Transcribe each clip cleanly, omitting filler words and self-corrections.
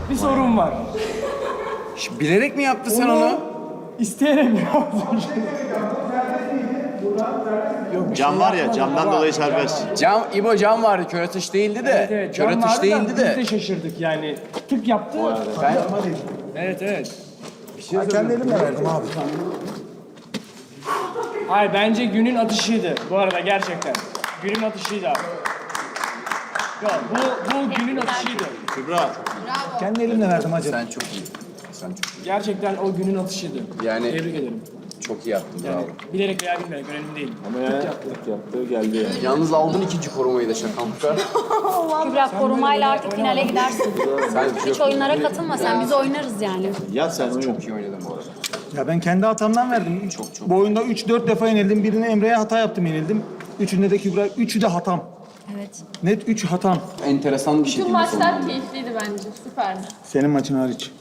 Bir sorun var. Bilerek mi yaptı sen onu? İsteyerek mi yaptın? Cam var ya, camdan dolayı serbest. İbo cam vardı, kör atış değildi de. Evet, Kör cam atış vardı değildi da de. Biz de şaşırdık yani. Tık yaptı. Evet, evet. Ben kendi elimle verdim abi. Hayır, bence günün atışıydı bu arada gerçekten. Günün atışıydı abi. Yok, bu günün atışıydı. Kübra. Kendi elimle verdim hacı. Sen çok iyi. Sen çok iyi. Gerçekten o günün atışıydı. Yani Tebrik ederim. çok iyi yaptın, bravo. Bilerek veya bilmeyerek önemli değil. Ama ya yaptı geldi yani. Yalnız aldın ikinci korumayı da şakamlıkta. Kübra korumayla artık finale gidersin. Hiç oyunlara katılma sen, biz oynarız yani. Yat sen oyun. Çok iyi oynadın bu arada. Ya ben kendi hatamdan verdim. Çok. Bu oyunda 3-4 defa yenildim. Birine Emre'ye hata yaptım, yenildim. Üçünde de Kübra. Üçü de hatam. Evet. Net 3 hatam. Enteresan bir Tüm şekilde maçlar keyifliydi bence. Süperdi. Senin maçın hariç.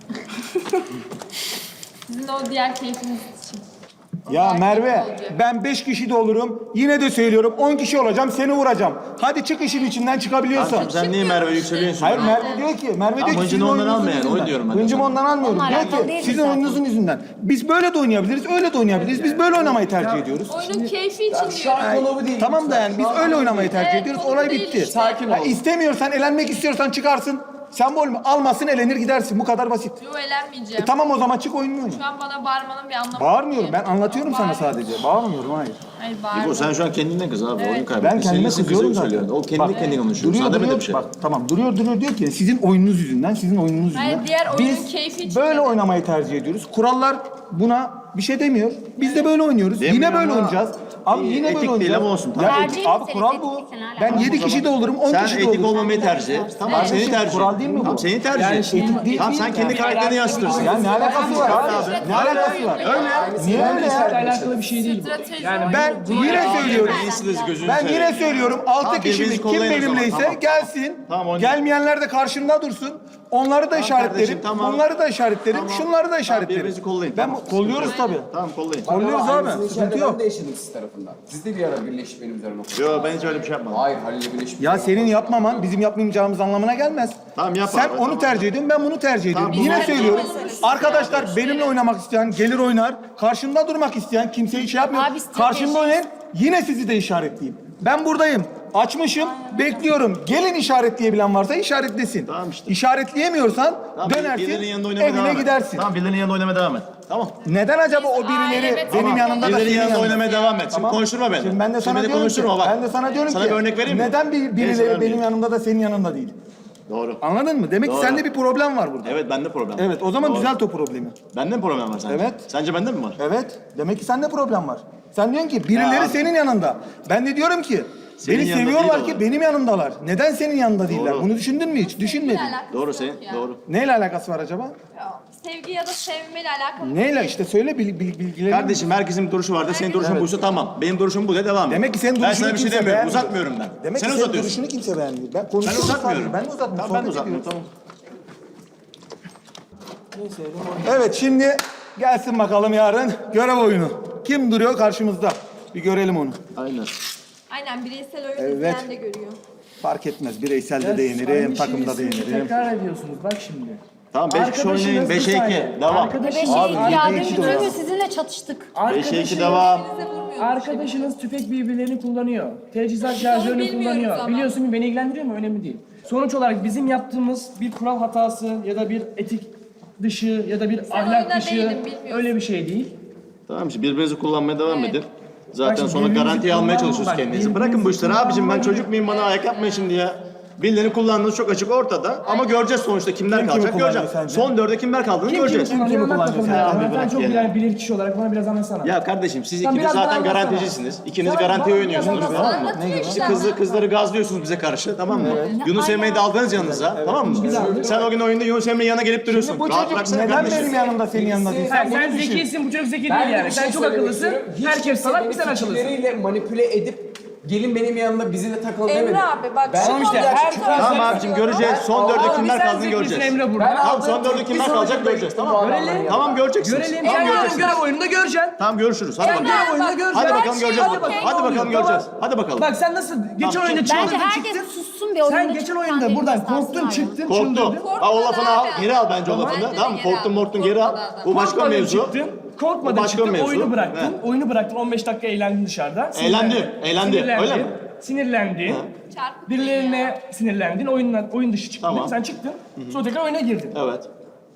Sizin de o diğer keyfiniz için. O Ya diğer Merve, keyif olacak. ben 5 kişi de olurum. Yine de söylüyorum 10 kişi olacağım, seni vuracağım. Hadi çık işin içinden çıkabiliyorsan. Sen niye Merve yükseliyorsun? Hayır Merve diyor ki, Merve diyor ki hıncını sizin ondan oyununuzun alma yani, yüzünden. oy diyorum ben de Hıncımı sana. ondan almıyorum. Onunla Diyor alakalı ki değil sizin zaten. oyununuzun yüzünden. Biz böyle de oynayabiliriz, öyle de oynayabiliriz. Biz böyle oynamayı tercih ediyoruz. Oyunun keyfi için diyorum. Konu bu değil. Tamam da yani biz öyle oynamayı tercih Evet, ediyoruz. konu Olay değil bitti. işte. Sakin ol. İstemiyorsan, elenmek istiyorsan çıkarsın. Sembol mü? Almasın, elenir gidersin. Bu kadar basit. Yo, eğlenmeyeceğim. Tamam o zaman çık oyununu oyna. Şu an bana bağırmanın bir anlamı yok Bağırmıyorum. ki. Ben anlatıyorum sana Bağırıyorum. sadece. Bağırmıyorum, hayır. Hayır İbo bağırma. sen şu an kendinden kız abi. Oyun kaybettin. Ben kendime Senin kızıyorum kızı zaten. söylüyorsun. O kendini konuşuyor. Duruyor, Sana demedi duruyor. bir şey. Bak tamam duruyor diyor ki sizin oyununuz yüzünden, sizin oyununuz Hayır, yüzünden. diğer oyunun Biz keyfi için böyle dedim. oynamayı tercih ediyoruz. Kurallar buna bir şey demiyor. Biz de böyle oynuyoruz. Demiyor Yine böyle ama oynayacağız. Abi yine etik böyle değil oynayacağız. ama olsun, Ya, tamam. Tercih abi meselesi, kural bu. etikle ne Ben alakası 7 kişi de olurum, 10 Sen kişi de etik olurum. olmamayı tercih et. Tamam Evet. senin tercihin. Kural değil mi bu? Tamam senin tercihin. Yani Etik değil. Tamam sen kendi karakterini yansıtırsın. Ya ne alakası var abi? Ne alakası var? Öyle. Niye öyle Bizle ya? alakalı bir şey değil bu. Strateji Yani oyunu. Ben yine söylüyorum. İyisiniz gözünü Ben seveyim. yine söylüyorum 6 Tamam, kişi birbirinizi kim kollayın o zaman, benimleyse tamam. gelsin. Tamam, oynayın. Gelmeyenler de karşımda dursun. Onları da işaretlerim. kardeşim, tamam. Bunları da işaretlerim. Tamam. Şunları da işaretlerim. birbirinizi kollayın, Ben tamam. kolluyoruz tabii. Tamam kollayın. Kolluyoruz abi. Sıkıntı yok. Ben de yaşadım siz tarafından. Siz de bir ara birleşip benim üzerime okudunuz. Yo ben hiç öyle bir şey yapmadım. Hayır, Halil'le birleşip. Ya senin yapmaman bizim yapmayacağımız anlamına gelmez. Tamam, yap Sen abi, onu tamam. tercih ediyorsun, ben bunu tercih ediyorum. Tamam, Yine biz söylüyorum. tercih Arkadaşlar benimle oynamak isteyen gelir oynar. Karşımda durmak isteyen kimseye şey yapmıyor. Abi, strateji- Karşımda oynayın. Yine sizi de işaretleyeyim. Ben buradayım. Açmışım, bekliyorum. Gelin işaretleyebilen varsa işaretlesin. Tamam işte. İşaretleyemiyorsan Tamam, dönersin, birilerinin yanında oynamaya evine devam et. gidersin. Tamam birilerinin yanında oynamaya devam et. Tamam. Neden acaba o birileri Aileme benim tamam. yanımda da Birilerinin senin yanında yanında? oynamaya devam et. Şimdi Tamam. konuşturma beni. Şimdi ben de sana Şimdi beni diyorum konuşturma ki, bak. ben de sana diyorum Sana ki, bir örnek vereyim mi? neden Neyse, birileri vermeyeyim. benim yanımda da senin yanında değil? Doğru. Anladın mı? Demek ki Doğru. sende bir problem var burada. Evet bende problem var. Evet, o zaman Doğru. düzelt o problemi. Bende mi problem var sence? Evet. Sence bende mi var? Evet, demek ki sende problem var. Sen diyorsun ki birileri Ya. senin yanında. Ben de diyorum ki Senin beni yanında seviyorlar değil ki onlar. benim yanımdalar. Neden senin yanında değiller? Doğru. Bunu düşündün mü hiç? Düşünmedin. Alakası Doğru yok senin. ya. Doğru. Neyle alakası var acaba? Sevgi ya da sevmeyle alakalı. Neyle işte söyle bilgileri. Kardeşim herkesin bir duruşu vardır. Senin duruşun buysa tamam. Benim duruşum bu de devam et. Demek ki senin Ben duruşunu sana bir şey kimse demiyorum. beğenmiyor. Uzatmıyorum ben. Demek Sen ki senin uzatıyorsun. duruşunu kimse beğenmiyor. Ben Ben konuşuyorum uzatmıyorum. sadece. Ben de uzatmıyorum. Tamam ben de sohbet uzatmıyorum. ediyoruz. Tamam. Evet şimdi gelsin bakalım yarın görev oyunu. Kim duruyor karşımızda? Bir görelim onu. Aynen. Aynen bireysel oyun Evet. izleyen de görüyor. Fark etmez. Bireyselde de Aynı yenirim, şeyi takımda da siz yenirim. Tekrar ediyorsunuz bak şimdi. Tamam 5 kişi oynayın. Arkadaşınız 5'e bir 2. saniye. Devam. Arkadaşınız, Beşe iki ya, iki dün de bütün var. gün sizinle çatıştık. 5'e 2 devam. Arkadaşınız tüfek birbirlerini kullanıyor. Teçhizat onu şarjörünü bilmiyoruz kullanıyor. ama. Biliyorsun mu beni ilgilendiriyor mu? Önemli değil. Sonuç olarak bizim yaptığımız bir kural hatası ya da bir etik dışı ya da bir ahlak oyunda dışı değildin, bilmiyorsun. öyle bir şey değil. Tamam işte birbirinizi kullanmaya devam Evet. edin. Zaten Bak, sonra birbirinizi garantiye almaya kullanma, çalışıyorsunuz bak, kendinizi. birbirinizi Bırakın bu işleri abicim ben kullanma. çocuk muyum bana ayak yapmayın şimdi ya. Birilerini kullandığınız çok açık ortada ama göreceğiz sonuçta kimler Kim kimi kalacak kullanıyor göreceğiz. sence? Son 4'e kimler kaldığını göreceğiz. Kim kimi anlat kullanıyor bakalım sen? ya. Abi Sen bırak çok ya. bilen bilir kişi olarak bana biraz anlatsana. Ya kardeşim siz Sen ikiniz biraz zaten bana anlatsana. garanticisiniz. İkiniz Sen garantiye bana oynuyorsunuz biraz tamam mı? Anlatıyor işte. Kızları gazlıyorsunuz bize karşı tamam mı? Yunus Emre'yi de aldınız yanınıza tamam mı? Sen o gün oyunda Yunus Emre'nin yanına gelip duruyorsun. Bu Rahat çocuk bıraksana neden kardeşim. benim yanımda senin yanında değil? Sen bunu düşün. zekisin, bu çocuk zeki değil yani. Sen çok akıllısın, herkes salak, bir sen akıllısın. Fikirleriyle manipüle edip gelin benim yanımda bizi de takıl demedi. Emre abi bak şu Tamam işte, konuda her çok taraf- Tamam abicim göreceğiz. Son 4'e Abi kimler sen kaldığını zekisin göreceğiz. Emre burada. Tamam son 4'e kimler kalacak göreceğiz tamam mı? Görelim. Tamam göreceksiniz. Görelim, Tamam sen yarın göreceksiniz. görev oyununda göreceksin. Tamam görüşürüz. Hadi bakalım. Görev oyununda göreceksin. Hadi bakalım göreceğiz. Hadi bakalım. Hadi bakalım göreceğiz. Hadi bakalım. Bak sen nasıl geçen oyunda Bence çıldırdın herkes çıktın. sussun bir oyunda Sen geçen oyunda buradan korktun çıktın Korktu. çıldırdın. Ha, o lafını al, Korkmadı geri al abi. bence o lafını. Bence de Tamam mı? geri al. Korktun morktun geri al. Bu başka Korkmadın mevzu. çıktın. Bu Korkmadın başka çıktın. mevzu. Oyunu bıraktın. He. Oyunu bıraktın. 15 dakika eğlendin dışarıda. Eğlendi, eğlendi. Sinirlendin. Öyle mi? Sinirlendin. Çarpık Birilerine sinirlendin. Oyun dışı çıktın. Tamam. Sen çıktın. Sonra tekrar oyuna girdin. Evet.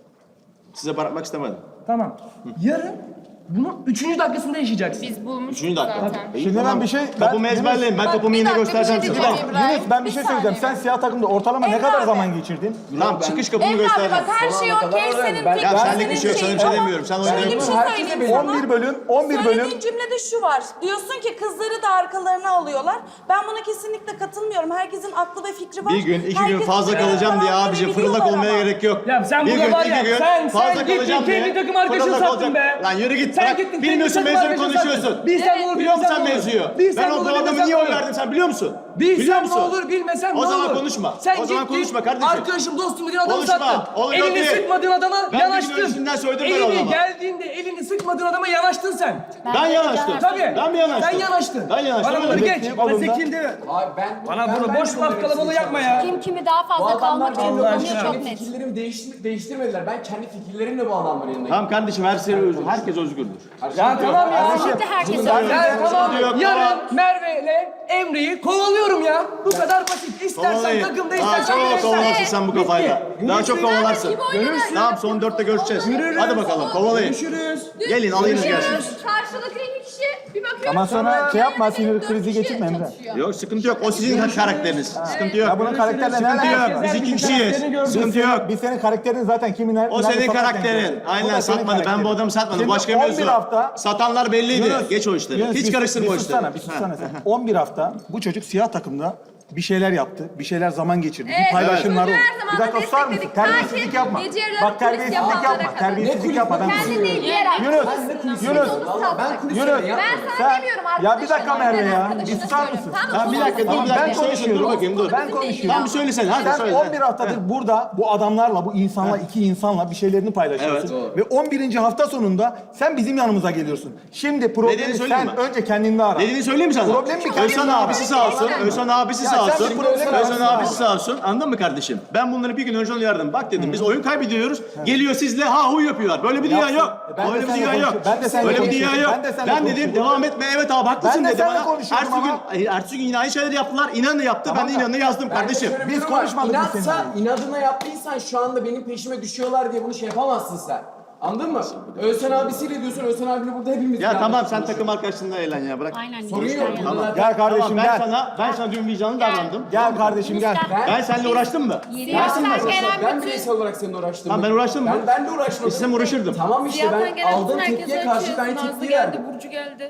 Size bırakmak istemedim. Tamam. Yarın bunun 3. dakikasında yaşayacaksın. Biz bulmuştuk Üçüncü dakika. zaten. İyi, Şimdi ben bir şey... Topumu ezberleyin. Ben topumu yine göstereceğim size. Yunus ben bir şey söyleyeceğim. Sen siyah takımda ortalama ne kadar zaman geçirdin? Tamam çıkış kapımı Emre abi göstereceğim. bak her şey okey senin Ben- Ya senlik bir şey yok. Sana bir şey Ama demiyorum. Sen şöyle bir oynayın. şey söyleyeyim sana. 11 bölüm, 11 bölüm. Söylediğin cümlede şu var. Diyorsun ki kızları da arkalarına alıyorlar. Ben buna kesinlikle katılmıyorum. Herkesin aklı ve fikri var. Bir gün, 2 gün Herkes fazla kendi kalacağım diye kararlarını abicim biliyorlar fırıldak olmaya ama. gerek yok. Ya sen Bir burada gün, var 2 ya, gün sen fazla gittin kalacağım kendi diye takım arkadaşını fırıldak sattın olacak. be. Lan yürü git. Sen Bırak. gittin Bilmiyorsun kendi mevzuyu takım arkadaşını konuşuyorsun. sattın. Bilsen ne olur, Biliyor musun bilmesen sen ne olur. mevzuyu? Bilsen Ben ne o olur, adamı bilmesen niye ne oy olur. verdim sen biliyor musun? Bilsem Biliyor ne musun? olur, bilmesem ne O olur. zaman konuşma. Sen O zaman gittin, konuşma kardeşim. arkadaşım, dostum dediğin adamı Konuşma. sattın. Oğlum yok Elini değil. sıkmadığın adama Ben bir gün yanaştın. öncesinden söyledim ben Elini adama. geldiğinde elini sıkmadığın adama yanaştın sen. Ben yanaştım. Tabii. Ben mi yanaştım? Sen yanaştın. Ben yanaştım. Bana bunları öyle. geç. Bana zekil deme. Abi Bana bunu boş laf kalabalığı yapma ya. Kim kimi daha Bu fazla adamlar kalmak için benim Allah kullanıyor aşkına. çok kendi net. fikirlerimi değiştirmediler. Ben kendi fikirlerimle bu adamların yanına Tamam kardeşim herkes özgürdür. Ya tamam ya. Kesinlikle herkes Ya tamam. Sıkıntı yok, Yarın Merve ile Emre'yi kovalıyorum ya. Bu kadar basit. İstersen Kovalayın. takımda, Daha istersen çok bireysel. kovalarsın sen bu kafayla. Daha çok kovalarsın. Görürsün. Tamam son 4'te görüşeceğiz. Hadi bakalım kovalayın. Görüşürüz. Gelin alayınız gelsin. Karşılıklı iki kişi bir bakıyorsun. Ama sonra şey yapma, sinir dört krizi kişi geçirme Emre. çalışıyor. Yok sıkıntı yok. O sizin karakteriniz. Sıkıntı yok. Ya bunun karakterle ne Sıkıntı alakası yok. var? Biz iki kişiyiz. Sıkıntı yok. Biz senin karakterin zaten kimin O senin karakterin. Aynen satmadı. Ben bu adamı satmadım. Şimdi Başka 11 mevzu. hafta Satanlar belliydi. Yunus, Geç o işleri. Yunus, Hiç karıştırma o işleri. sussana, bir sussana sen. 11 hafta bu çocuk siyah takımda bir şeyler yaptı, bir şeyler zaman geçirdi, Evet, bir paylaşımlar oldu. çocuğu her zaman Bir dakika susar mısın? destekledik. Terbiyesizlik Takip, yapma. gece yarıları Bak kulis terbiyesizlik yapanlara yapma, kadar. terbiyesizlik yapma. Ben Kendi değil diğer Yunus, arkadaşlarına Yunus, onu sattık. Yunus, Ben sana sen, demiyorum ya bir dakika arkadaşlarına, Merve ben ya, arkadaşına bir susar söylüyorum. mısın? Tamam, Bir dakika dur bir Ben dakika. Söylesin dur bakayım dur. Ben konuşuyorum. Tamam bir söylesene hadi Sen söyle. 11 haftadır burada bu adamlarla, bu insanla, iki insanla bir şeylerini paylaşıyorsun. Ve 11. hafta sonunda sen bizim yanımıza geliyorsun. Şimdi problemi Nedenini söyleyeyim sen mi? önce kendinde ara. Dediğini söyleyeyim mi sana? Problem mi kendinde Özhan ara? abisi sağ olsun. Özhan abisi Ya sağ sen olsun. bir problem Özhan arasın abisi sağ olsun. Anladın mı kardeşim? Ben bunları bir gün önce uyardım. Bak dedim biz oyun kaybediyoruz. Geliyor sizle ha hu yapıyorlar. Böyle bir dünya Yapsın. yok. Ben de Böyle bir seninle dünya yok. konuşuyorum. Ben de seninle Böyle bir dünya konuşuyorum. yok. Ben de seninle Ben dedim konuşuyorum. devam etme evet abi haklısın Ben de dedi seninle bana. konuşuyorum Ertesi gün yine aynı şeyleri yaptılar. İnanı yaptı. Ben de inanı yazdım kardeşim. Biz konuşmadık biz İnatsa, seninle. inadına yaptıysan şu anda benim peşime düşüyorlar diye bunu şey yapamazsın sen. Anladın mı? Özhan abisiyle diyorsun, Özhan abiyle burada hepimiz Ya beraber tamam sen konuşuyoruz. takım arkadaşından eğlen ya bırak. Aynen. Sorun yok. Yani. Tamam. Gel kardeşim Tamam, gel. ben sana dün vicdanlı davrandım. Gel kardeşim gel. Ben seninle uğraştım mı? Siyahtan gelen Ben bütün bireysel olarak seninle uğraştım. Tamam, ben uğraştım mı? Ben de uğraşmadım. İstesem uğraşırdım. Tamam işte siyahtan ben gelen aldığım bütün tepkiye herkese karşı ben açıyorsun. Nazlı tepki geldi, verdim. Burcu geldi.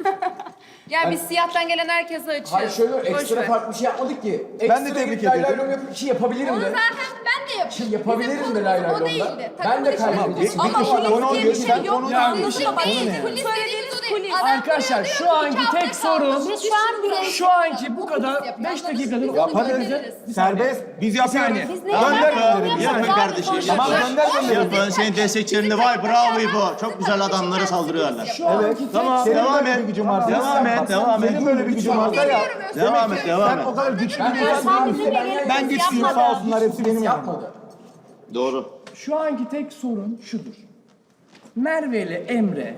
Ya biz siyahtan gelen herkese açıyoruz. Hayır şöyle Boş ekstra ver. farklı bir şey yapmadık ki. Ben de Ekstra tebrik bir lay lay ediyorum. lom yapıp bir şey yapabilirim Onu de. zaten ben de yapıyorum. Yapabilirim Bizim de lay konumuz lay o lomda. değildi. Ben de Takım kaybedeceğim. ilişkisi. Ama konu kulis diye bir diyorsun, şey sen yok. konu Ya Kulis işte değil. Kulis dediğiniz o değil. Adam Arkadaşlar buraya şu diyor, anki iki hafta tek sorun kaldı. Biz şu an bile şu anki bu kadar Kulis yapıyor. 5 Anladınız mı? dakikadır Biz Yaparız. yaparız. Serbest. Biz yapıyoruz. saniye. Biz ne Gönder yapalım? gönderelim. Yapın Yapın kardeşim. Tamam Yapın. gönder gönderelim. Yapın senin destekçilerinde vay bravo İbo. Çok güzel adamlara saldırıyorlar. Evet. Tamam Senin devam böyle et. bir gücün varsa. Devam et devam et. Senin böyle bir gücün varsa ya. Devam et devam Sen et. o kadar güçlü bir Sen insan bizimle gelip Ben biz güçlüyüm yapmadık. sağ olsunlar hepsi benim yanımda. Yapmadı. Doğru. Şu anki tek sorun şudur. Merve ile Emre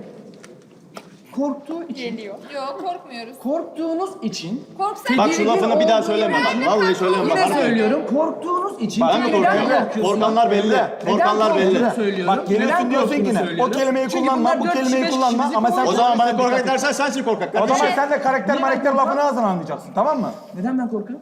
korktuğu için, Geliyor. Yok korkmuyoruz. korktuğunuz için Korksak Bak şu lafını bir daha söyleme bak. Vallahi söyleme bak. yine harbi. söylüyorum, korktuğunuz için Ben mi neden korkuyorum? korkuyorsun? Korkanlar belli. Korkanlar belli. korktuğunu söylüyorum? Bak geliyorsun Neden diyorsun korktuğunu yine. O söylüyorum? kelimeyi Çünkü kullanma, bunlar bu 4 kelimeyi kişi, kullanma bizi ama sen O zaman bana dikkat korkak et. dersen sensin korkak O zaman kardeşim. sen de karakter Neden marakter korkak? lafını ağzına anlayacaksın tamam mı? Neden ben korkarım?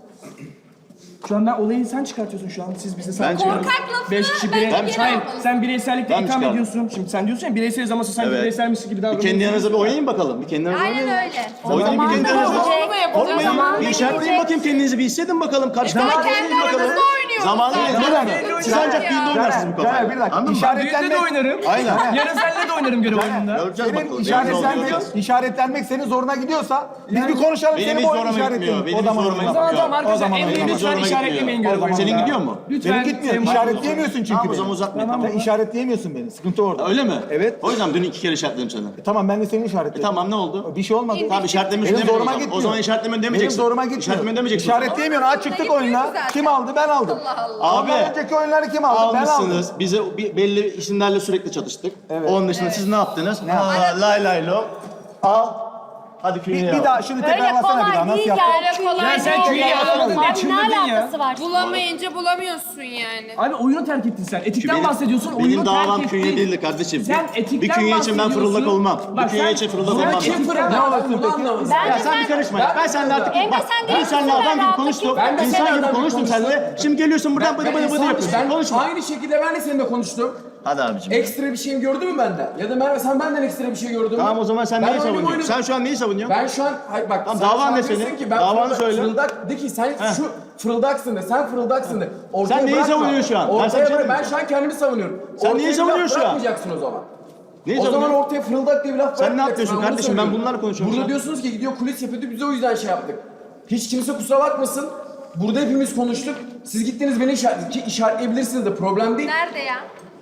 Şu an ben olayı sen çıkartıyorsun şu an. Siz bize Ben çıkarıyorum. Korkak lafını 5 kişi bence birey... geri Hayır, almalısın. sen bireysellikle Ben itham çıkardım. ediyorsun. Şimdi sen diyorsun ya bireyseliz ama sen Evet. bireyselmişsin gibi Bir davranıyorsun. kendi yanınıza bir oynayın bakalım. Bir kendi yanınıza Aynen oynayın. öyle. Oynayın bir kendi yanınıza. Onu da yapacağız. Korkmayın. Bir işaretleyin bakayım kendinizi bir hissedin bakalım. Karşıdan Ben oynayın kendi bakalım. aranızda oynuyoruz. Zamanı dakika. Siz ancak düğünde oynarsınız bu kafayı. Caner bir dakika. Anladın mı? Düğünde de oynarım. Aynen. Yarın seninle de oynarım görev oyununda. Göreceğiz Senin bakalım. Yarın ne oluyor? işaretlenmek senin zoruna gidiyorsa biz bir konuşalım. Benim Senin hiç bu oyunu zoruma gitmiyor. işaretleyelim. Benim O hiç zaman zoruma oynayalım. Tamam gitmiyor. tamam arkadaşlar zaman Emre'yi oynayalım. lütfen Zoruma işaretlemeyin gitmiyor. görev oyununda. Senin gidiyor mu? Lütfen. Benim gitmiyor. Sembolik İşaretleyemiyorsun çünkü Tamam o beni. zaman uzatmayın. Sen işaretleyemiyorsun beni. Sıkıntı orada. Öyle mi? Evet. O yüzden dün 2 kere işaretledim seni. Tamam ben de seni işaretledim. Tamam ne oldu? Bir şey olmadı. Tamam işaretlemişsin Benim demedim o zoruma zaman. gitmiyor. O zaman işaretlemen demeyeceksin. Benim zoruma gitmiyor. İşaretlemen demeyeceksin. İşaretleyemiyorsun. Aç çıktık oyuna. Kim aldı? Ben aldım. Abi. Ondan önceki oyunları kim aldı? Ben aldım. Almışsınız. Bize belli isimlerle sürekli çatıştık. Onun dışında siz ne yaptınız? Lay lay lo. Al. Hadi köyüne Bir daha şunu Öyle tekrarlasana bir daha. kolay Nasıl değil yaptın? ya. Öyle kolay Ya sen değil. köyü alamadın diye Abi çıldırdın ne ya. alakası var? Bulamayınca bulamıyorsun yani. Abi oyunu terk ettin sen. Etikten bahsediyorsun. Benim Oyunu terk davam ettin. künye değildi kardeşim. Sen etikten bir künye için ben bahsediyorsun. fırıldak olmam. Bak Bir künye sen- için fırıldak sen olmam. kim fırıldak? Ne alırsın peki? Bence Ya sen bir karışma ya. Ben seninle artık Emre, bak, sen ben değilsin, seninle ben adam gibi rahatlık konuştum. Ben de İnsan seninle gibi adam gibi konuştum konuştum. seninle. Şimdi geliyorsun buradan bıdı bıdı bıdı yapıyorsun. Konuşma. Aynı şekilde ben de seninle konuştum. Hadi abicim. Ekstra bir şeyim gördün mü benden? Ya da Merve sen benden ekstra bir şey gördün mü? Tamam o zaman sen Ben neyi oyunumu savunuyorsun? oynadım. Sen şu an neyi savunuyorsun? Ben şu an hayır bak Tamam, sen davan şu an ne diyorsun senin? ki ben Davanı söyle. fırıldak de ki sen şu fırıldaksın de sen fırıldaksın de. Ortaya Sen neyi bırakma. savunuyorsun şu an? Ben sana Ortaya bir şey bırak. Ben diyeyim. şu an kendimi savunuyorum. Sen Ortaya neyi bir laf savunuyorsun şu an? Bırakmayacaksın o zaman. Neyi O zaman savunuyorsun? ortaya fırıldak diye bir laf Sen ne bırakmayacaksın. yapıyorsun onu kardeşim? Ben söylüyorum. bunlarla konuşuyorum Burada şu an. diyorsunuz ki gidiyor kulis yapıyordu biz o yüzden şey yaptık. Hiç kimse kusura bakmasın. Burada hepimiz konuştuk. Siz gittiniz beni işaretleyebilirsiniz de problem değil. Nerede ya?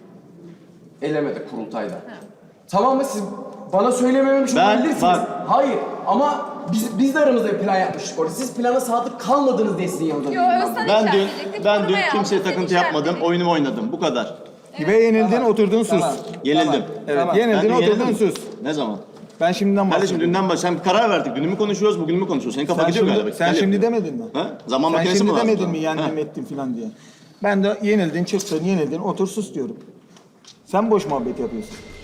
Elemedi kurultayda. Tamam mı siz bana söylememiş Ben- olabilirsiniz. bak. Hayır ama biz de aramızda bir plan yapmıştık orada. Siz plana sadık kalmadınız diye sizin yanınıza Yo değilim Özden Ben dün işaretleyecektik. ben dün korumaya kimseye aldı, takıntı seni yapmadım. işaretledi. Oyunumu oynadım. Bu kadar. Ve yenildin oturdun sus. Yenildim. Evet Ben yenildin dün oturdun yenildim. sus. Ne zaman? Ben şimdiden Kardeşim bahsediyorum. dünden sen bir karar verdik. Dünü mü konuşuyoruz, bugün mü konuşuyoruz? Senin kafa Sen gidiyor şimdi, galiba. sen Gel şimdi yapayım. demedin mi? Ha? Zaman Sen makinesi mi şimdi lazım? demedin mi Ha. yendim ettim falan diye. Ben de yenildin çıktın yenildin otur sus diyorum. Sen boş muhabbet yapıyorsun.